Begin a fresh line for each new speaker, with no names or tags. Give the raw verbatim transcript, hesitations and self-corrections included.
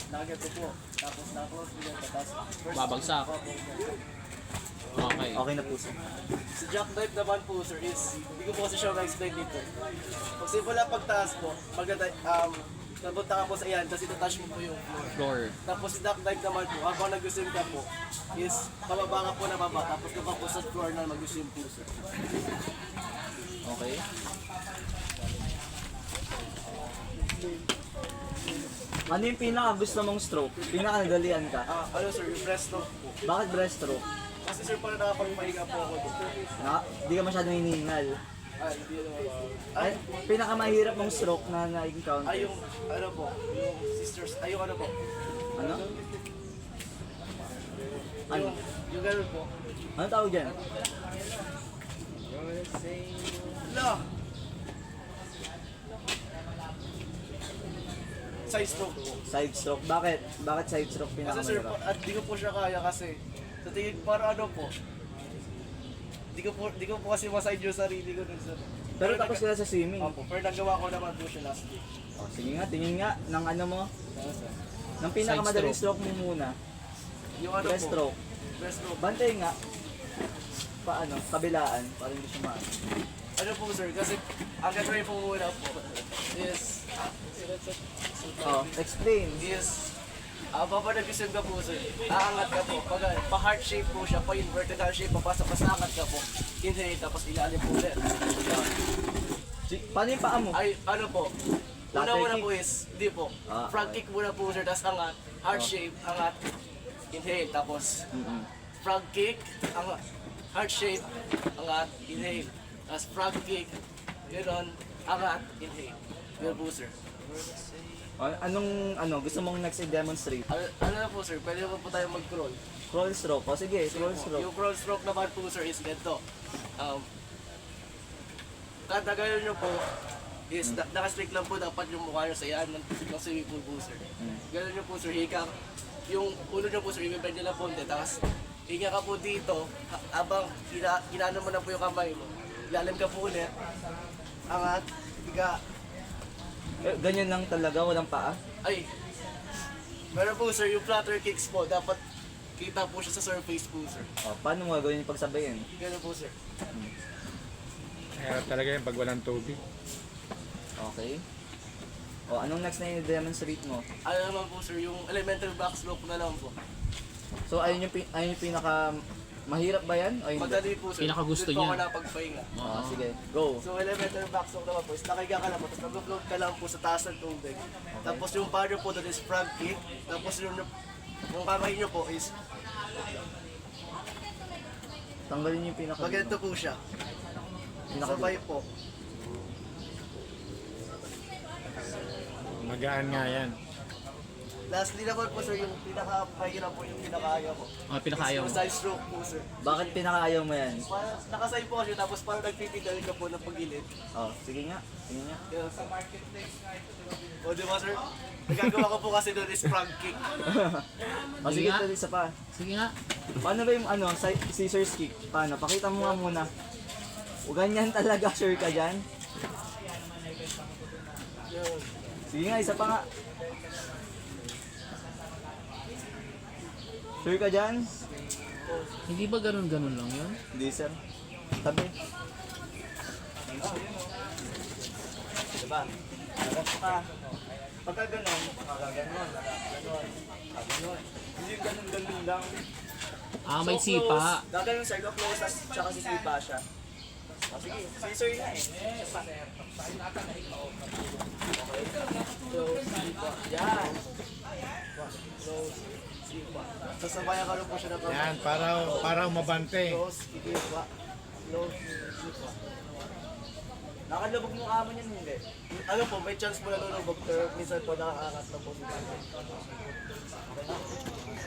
nakaganto po. Tapos na-close mo yan. Tapos first
Babagsak.
Opo, ganyan.
Okay.
Okay na po sir.
Si jackknife naman po sir is, hindi ko po kasi siya na-explain dito. Pag simula pagtaas po, pag um, napunta ka po sa iyan, tapos itatouch mo po yung floor.
Floor.
Tapos si jackknife naman po, habang nag-swim ka po, is pababa ka po na baba, tapos ka pa po sa floor na mag-swim po sir.
Okay. Ano yung pinaka gusto mong stroke? Pinaka nadalian ka?
Ah, ano sir, yung breaststroke po.
Bakit breaststroke?
Kasi sir, parang nakapagpahinga po ako dito.
Na, di ka masyadong hinihingal.
Ah, hindi naman.
Ay,
Ay,
pinaka mahirap mong stroke na na-encounter.
ay yung, ano po, yung sisters, ay yung ano po.
Ano? Ano?
Yung, yung ganun po.
Ano tawag dyan?
Wala! Side stroke po.
Side stroke. Bakit? Bakit side stroke pinaka
Kasi sir,
mahirap?
pa- at di ko po siya kaya kasi sa tingin para ano po. Di ko po, di ko po kasi maside yung sarili ko dun sir.
Pero tapos
nag-
sila sa swimming.
Opo, pero nagawa ko naman po siya last week.
Oh, sige nga, tingin nga ng ano mo.
Ano, sir?
Ng pinakamadaling
Side
stroke mo muna.
Yung ano
Breast
po.
stroke.
Breast stroke.
Bantay nga. Paano? Kabilaan. Para hindi siya maano.
Ano po sir, kasi ang gagawin po muna po is,
Oh, explain.
is, ah, papa nag-isip ka po sir, aangat ka po, pag pa heart shape po siya, pa inverted heart shape, papasok pa sa angat ka po, inhale, tapos ilalim po ulit.
Si- Paano yung paa mo?
Ay, ano po,
Lateral
una-una
kick?
po is, hindi po,
Ah,
front
okay.
kick muna po sir, tapos angat, heart
Oh.
shape, angat, inhale, tapos
Mm-mm.
front kick, angat, heart shape, angat, inhale, tapos front kick, gano'n, angat, inhale. Gano'n po sir.
Oh, anong ano gusto mong next i-demonstrate?
Ano, ano na po sir, pwede po po tayo mag-crawl.
Crawl stroke. O sige, crawl stroke.
Yung crawl stroke naman po sir is ganito. Um, kada gano'n nyo po, is na, naka-strict lang po dapat yung mukha nyo sa iyan ng, ng swimming pool po sir.
Mm.
Gano'n nyo po sir, hika. Yung ulo nyo po sir, i-bend nyo lang po, tapos hinga ka po dito, ha- habang gina, ginano mo na po yung kamay mo. Ilalim ka po ulit. Angat, higa.
Eh, ganyan lang talaga, walang paa.
Ay, meron po sir, yung flutter kicks po, dapat kita po siya sa surface po sir.
O, paano mo gagawin yung pagsabayin?
Gano'n po sir.
Kaya talaga yung pag walang tubig.
Okay. O, anong next na i-demonstrate mo?
Ano naman po sir, yung elemental back slope na lang po.
So, ayun yung, pin- ayun yung pinaka... Mahirap ba yan? O hindi?
Madali po sir.
Pinakagusto
Doon po ako
niya.
napagpahinga.
O, sige, go.
So elemental back slope naman po, is nakahiga ka lang po, tapos nag-float ka lang po sa taas ng tubig. Tapos yung paa nyo po doon is frog kick. Tapos yung, yung kamay nyo po is,
Tanggalin niyo yung pinaka...
pag ganito po siya.
Pinaka-
Sabay po.
Magaan nga yan.
Lastly naman po sir, yung pinaka-mahirap po yung pinakaya ko.
Ah, pinakaayaw mo.
Yung side stroke po sir.
Bakit pinakaayaw mo yan?
Parang nakaside po siya, tapos parang nagpipidal ka po ng pagilid.
O, sige nga. Sige nga.
Yes. O di ba sir? Nagagawa ko po kasi doon is frog kick.
O, sige,
nga.
tuloy isa pa.
Sige nga.
Paano ba yung ano, si- scissors kick? Paano? Pakita mo nga muna. O, ganyan talaga, sure ka dyan?
Yun.
Sige nga, isa pa nga. Sure ka dyan?
Hindi ba ganun-ganun lang yun?
Hindi, sir. Tabi. Diba? Harap ka. Pagka ganon, pagka ganon, ganon, ganon. Hindi yung ganon-ganon lang.
Ah, may
So
sipa.
close. Gaganon sir, go close, tas tsaka sisipa siya. O sige, scissor nga eh. Close, sipa. Yan.
Close, sipa. Sasabayan ka rin po siya na
Yan, para, para umabante.
Close, ikipa. Close, sipa.
Nakalubog mo kamo niyan, hindi.
Ano po, may chance po na nalulubog pero minsan po nakakaangat na po si